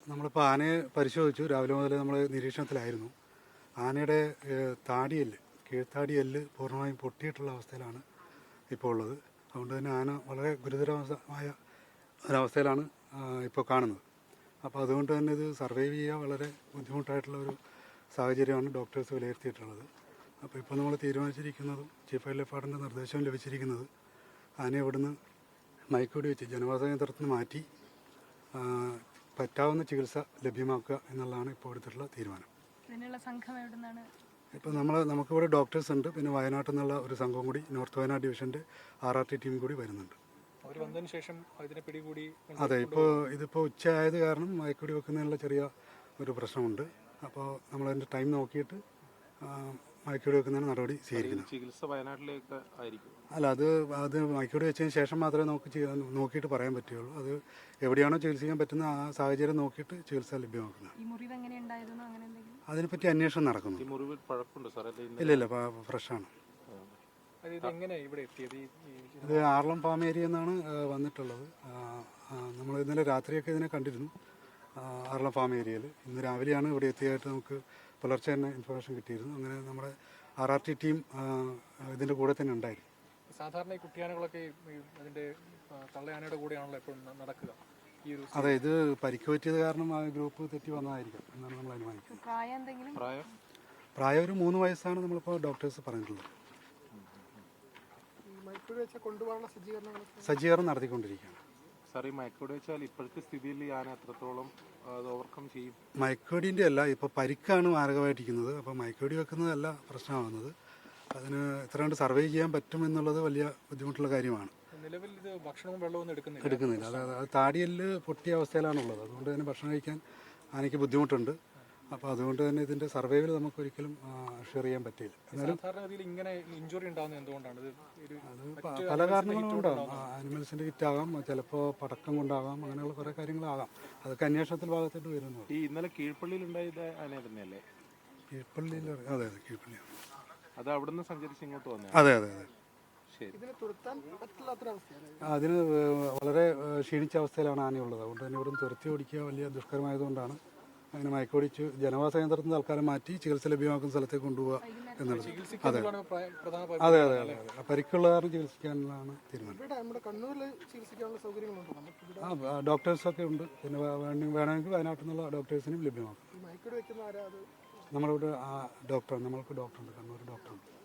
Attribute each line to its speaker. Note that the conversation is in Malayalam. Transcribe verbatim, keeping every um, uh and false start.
Speaker 1: നമ്മളിപ്പോൾ ആനയെ പരിശോധിച്ചു. രാവിലെ മുതൽ നമ്മൾ നിരീക്ഷണത്തിലായിരുന്നു. ആനയുടെ താടിയെല്ല്, കീഴ്ത്താടിയെല്ല് പൂർണ്ണമായും പൊട്ടിയിട്ടുള്ള അവസ്ഥയിലാണ് ഇപ്പോൾ ഉള്ളത്. അതുകൊണ്ട് തന്നെ ആന വളരെ ഗുരുതരമായ ഒരവസ്ഥയിലാണ് ഇപ്പോൾ കാണുന്നത്. അപ്പോൾ അതുകൊണ്ട് തന്നെ ഇത് സർവൈവ് ചെയ്യുക വളരെ ബുദ്ധിമുട്ടായിട്ടുള്ള ഒരു സാഹചര്യമാണ് ഡോക്ടേഴ്സ് വിലയിരുത്തിയിട്ടുള്ളത്. അപ്പോൾ ഇപ്പോൾ നമ്മൾ തീരുമാനിച്ചിരിക്കുന്നതും ചീഫ് വൈൽഡ് ലൈഫ് വാർഡൻ്റെ നിർദ്ദേശവും ലഭിച്ചിരിക്കുന്നത് ആനയെ ഇവിടുന്ന് മയക്കുവെടി വെച്ച് ജനവാസ കേന്ദ്രത്തിൽ നിന്ന് മാറ്റി പറ്റാവുന്ന ചികിത്സ ലഭ്യമാക്കുക എന്നുള്ളതാണ് ഇപ്പോൾ എടുത്തിട്ടുള്ള തീരുമാനം.
Speaker 2: ഇതിനുള്ള സംഘം എവിടുന്നാണ്?
Speaker 1: ഇപ്പോൾ നമ്മൾ നമുക്കിവിടെ ഡോക്ടേഴ്സ് ഉണ്ട്. പിന്നെ വയനാട്ടിൽ നിന്നുള്ള ഒരു സംഘം കൂടി നോർത്ത് വയനാട് ഡിവിഷൻ്റെ ആർ ആർ ടി ടീം കൂടി വരുന്നുണ്ട്. അതെ, ഇപ്പോൾ ഇതിപ്പോൾ ഉച്ചയായത് കാരണം മയക്കുവെടി വെക്കുന്നതിനുള്ള ചെറിയ ഒരു പ്രശ്നമുണ്ട്. അപ്പോൾ നമ്മളതിൻ്റെ ടൈം നോക്കിയിട്ട് മയക്കുവെടി വെക്കുന്നതിന് നടപടി സ്വീകരിക്കുന്നത്.
Speaker 3: ചികിത്സ വയനാട്ടിലേക്ക് ആയിരിക്കും?
Speaker 1: അല്ല, അത് അത് മയക്കുവെടി വെച്ചതിന് ശേഷം മാത്രമേ നമുക്ക് നോക്കിയിട്ട് പറയാൻ പറ്റുകയുള്ളൂ. അത് എവിടെയാണോ ചികിത്സിക്കാൻ പറ്റുന്ന ആ സാഹചര്യം നോക്കിയിട്ട് ചികിത്സ ലഭ്യമാക്കുന്നത്. അതിനെപ്പറ്റി അന്വേഷണം നടക്കുന്നു. ഇല്ല ഇല്ല ഫ്രഷാണ്. ഇത് ആർളം ഫാം ഏരിയ എന്നാണ് വന്നിട്ടുള്ളത്. നമ്മൾ ഇന്നലെ രാത്രിയൊക്കെ ഇതിനെ കണ്ടിരുന്നു ആർളം ഫാം ഏരിയയിൽ. ഇന്ന് രാവിലെയാണ് ഇവിടെ എത്തിയായിട്ട് നമുക്ക് പുലർച്ചെ തന്നെ ഇൻഫർമേഷൻ കിട്ടിയിരുന്നു. അങ്ങനെ നമ്മുടെ ആർ ആർ ടി ടീം ഇതിൻ്റെ കൂടെ തന്നെ ഉണ്ടായിരുന്നു.
Speaker 4: സാധാരണ ഈ കുട്ടിയാനകളൊക്കെ അതിൻ്റെ തള്ളയാനയുടെ കൂടെയാണല്ലോ എപ്പോഴും നടക്കുക.
Speaker 1: അതെ, ഇത് പരിക്ക് പറ്റിയത് കാരണം ആ ഗ്രൂപ്പ് തെറ്റി വന്നതായിരിക്കും എന്നാണ് നമ്മൾ അനുമാനിക്കുന്നത്. പ്രായം ഒരു മൂന്ന് വയസ്സാണ് നമ്മളിപ്പോൾ ഡോക്ടേഴ്സ് പറഞ്ഞിട്ടുള്ളത്. സജ്ജീകരണം നടത്തിക്കൊണ്ടിരിക്കുകയാണ്.
Speaker 3: സാർ, ഈ മയക്കുവെടി വെച്ചാൽ ഇപ്പോഴത്തെ സ്ഥിതിയിൽ ആന എത്രത്തോളം ഓവർകം ചെയ്യും?
Speaker 1: മയക്കുവെടിൻ്റെ അല്ല, ഇപ്പോൾ പരിക്കാണ് മാരകമായിട്ടിരിക്കുന്നത്. അപ്പോൾ മയക്കുവെടി വെക്കുന്നതല്ല പ്രശ്നമാകുന്നത്. അതിന് എത്ര കണ്ട് സർവൈവ് ചെയ്യാൻ പറ്റും എന്നുള്ളത് വലിയ ബുദ്ധിമുട്ടുള്ള കാര്യമാണ്.
Speaker 4: നിലവിൽ ഇത് ഭക്ഷണവും വെള്ളവും
Speaker 1: എടുക്കുന്നില്ല. അതായത് അത് താടിയെല്ല് പൊട്ടിയ അവസ്ഥയിലാണുള്ളത്. അതുകൊണ്ട് തന്നെ ഭക്ഷണം കഴിക്കാൻ ആനയ്ക്ക് ബുദ്ധിമുട്ടുണ്ട്. അപ്പോൾ അതുകൊണ്ട് തന്നെ ഇതിൻ്റെ സർവൈവൽ നമുക്ക് ഒരിക്കലും ഷെയർ ചെയ്യാൻ പറ്റില്ല. എന്നാലും അത് പല കാരണങ്ങളും ഉണ്ടാകും. ആനിമൽസിൻ്റെ ഹിറ്റാകാം, ചിലപ്പോൾ പടക്കം കൊണ്ടാകാം, അങ്ങനെയുള്ള കുറേ കാര്യങ്ങളാകാം. അതൊക്കെ അന്വേഷണത്തിൽ ഭാഗത്തോട്ട് വരുന്നു.
Speaker 3: ഈ ഇന്നലെ കീഴ്പള്ളിയിൽ ഉണ്ടായത് ആന തന്നെയല്ലേ?
Speaker 1: കീഴ്പള്ളിയിൽ? അതെ അതെ, കീഴ്പള്ളിയാണ്.
Speaker 3: അത് അവിടെ നിന്ന് സഞ്ചരിച്ച് ഇങ്ങോട്ട് വന്നത്?
Speaker 1: അതെ അതെ അതെ. അതിന് വളരെ ക്ഷീണിച്ച അവസ്ഥയിലാണ് ആനയുള്ളത്. അതുകൊണ്ട് തന്നെ ഇവിടുന്ന് തുരത്തി ഓടിക്കുക വലിയ ദുഷ്കരമായതുകൊണ്ടാണ് അങ്ങനെ മയക്കുവെടിച്ച് ജനവാസ കേന്ദ്രത്തിൽ തൽക്കാലം മാറ്റി ചികിത്സ ലഭ്യമാക്കുന്ന സ്ഥലത്തേക്ക് കൊണ്ടുപോവുക എന്നുള്ളത്. അതെ അതെ അതെ അതെ അതെ പരിക്കുള്ള കാരണം ചികിത്സിക്കാനുള്ളതാണ് തീരുമാനം. ആ ഡോക്ടേഴ്സൊക്കെ ഉണ്ട്. പിന്നെ വേണമെങ്കിൽ വയനാട്ടിൽ നിന്നുള്ള ഡോക്ടേഴ്സിനും ലഭ്യമാക്കും. നമ്മളിവിടെ ആ ഡോക്ടർ നമ്മൾക്ക് ഡോക്ടറുണ്ട്, കണ്ണൂർ ഡോക്ടറുണ്ട്.